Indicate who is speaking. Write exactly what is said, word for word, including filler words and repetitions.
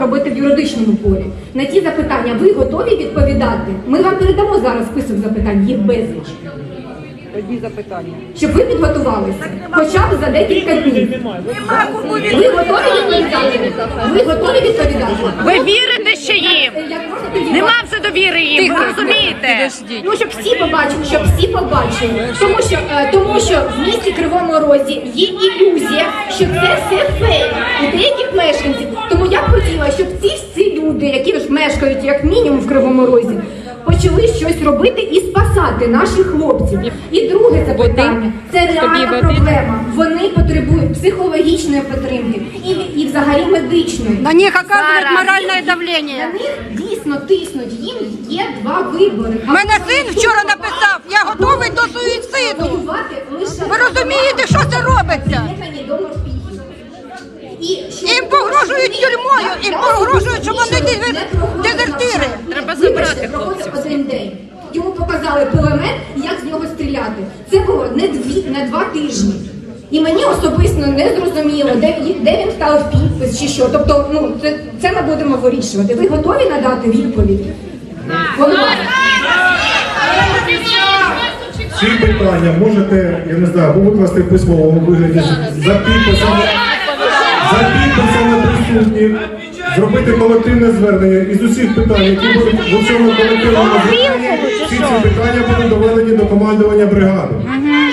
Speaker 1: робити в юридичному полі. На ті запитання ви готові відповідати? Ми вам передамо зараз список запитань, їх безліч.
Speaker 2: Тоді запитання.
Speaker 1: Щоб ви підготувалися, хоча б за декілька днів. Ви готові відповідати? Ви готові відповідати?
Speaker 3: Ви вірите ще їм? Нема вже довіри їм, ви розумієте?
Speaker 1: Ну, щоб всі побачили, щоб всі побачили. Тому що, е, тому що в місті Кривому Розі є ілюзія, що це все фейк у деяких мешканців. Тому я б хотіла, щоб ці всі люди, які ж мешкають як мінімум в Кривому Розі, почали щось робити і спасати наших хлопців. І друге запитання – це реальна проблема. Вони потребують психологічної підтримки і, і взагалі медичної.
Speaker 4: На них оказують моральне давлення.
Speaker 1: На них дійсно тиснуть. Їм є два вибори.
Speaker 4: Мене син вчора написав, я готовий до суїциду.
Speaker 1: Воювати лише...
Speaker 4: Ви розумієте, що це робиться? Їм погрожують тюрмою, їм погрожують, що вони дезертири.
Speaker 3: Треба забрати
Speaker 1: хлопців. Один день. Йому показали кулемет, як з нього стріляти. Це було не дві, не два тижні. І мені особисто не зрозуміло, де, де він став підпис чи що. Тобто, ну, це, це ми будемо вирішувати. Ви готові надати відповідь?
Speaker 5: Ці питання можете, я не знаю, або викласти в письмовому вигляді за підписами, за підписами присутніх, зробити колективне звернення із усіх питань, які будуть в цьому колективному зверненні, всі ці питання будуть доведені до командування бригади.